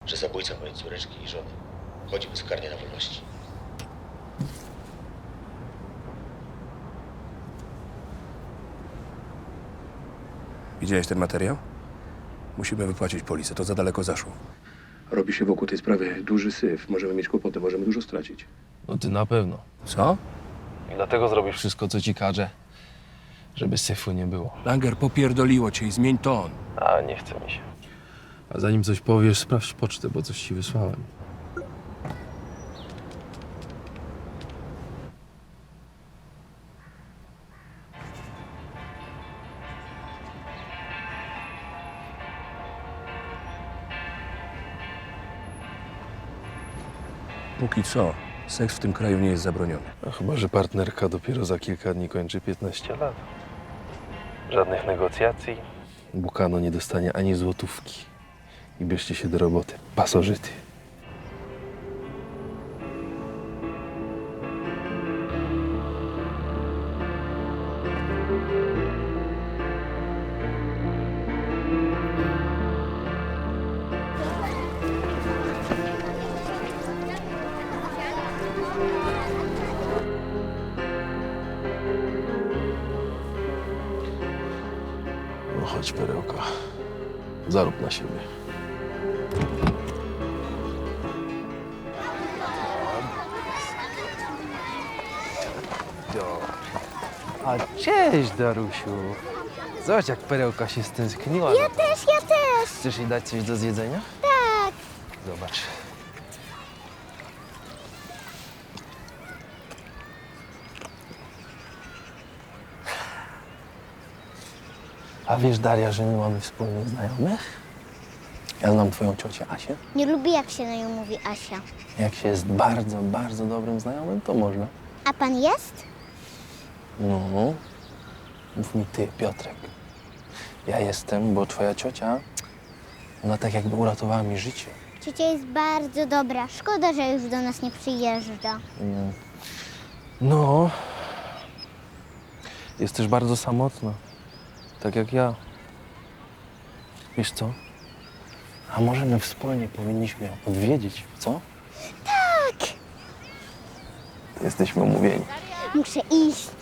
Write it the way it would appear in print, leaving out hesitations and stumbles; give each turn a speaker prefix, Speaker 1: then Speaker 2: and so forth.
Speaker 1: że zabójca mojej córeczki i żony chodzi bezkarnie na wolności.
Speaker 2: Widziałeś ten materiał? Musimy wypłacić polisę, to za daleko zaszło. Robi się wokół tej sprawy duży syf. Możemy mieć kłopoty, możemy dużo stracić.
Speaker 3: No ty na pewno.
Speaker 2: Co?
Speaker 3: I dlatego zrobisz wszystko, co ci każe, żeby syfu nie było.
Speaker 2: Langer, popierdoliło cię i zmień ton.
Speaker 3: A, nie chce mi się. A zanim coś powiesz, sprawdź pocztę, bo coś ci wysłałem.
Speaker 2: Póki co, seks w tym kraju nie jest zabroniony.
Speaker 3: No, chyba że partnerka dopiero za kilka dni kończy 15 lat. Żadnych negocjacji. Bukano nie dostanie ani złotówki. I bierzcie się do roboty. Pasożyty. No chodź, perełka. Zarób na siebie. A cześć, Darusiu. Zobacz, jak perełka się stęskniła.
Speaker 4: Ja też.
Speaker 3: Chcesz jej dać coś do zjedzenia?
Speaker 4: Tak.
Speaker 3: Zobacz. A wiesz, Daria, że my mamy wspólnych znajomych? Ja znam twoją ciocię Asię.
Speaker 4: Nie lubię, jak się na nią mówi Asia.
Speaker 3: Jak się jest bardzo, bardzo dobrym znajomym, to można.
Speaker 4: A pan jest?
Speaker 3: No, mów mi ty, Piotrek. Ja jestem, bo twoja ciocia, ona tak jakby uratowała mi życie.
Speaker 4: Ciocia jest bardzo dobra. Szkoda, że już do nas nie przyjeżdża.
Speaker 3: No, jest też bardzo samotna, tak jak ja. Wiesz co? A może my wspólnie powinniśmy ją odwiedzić, co?
Speaker 4: Tak.
Speaker 3: Jesteśmy umówieni.
Speaker 4: Muszę iść.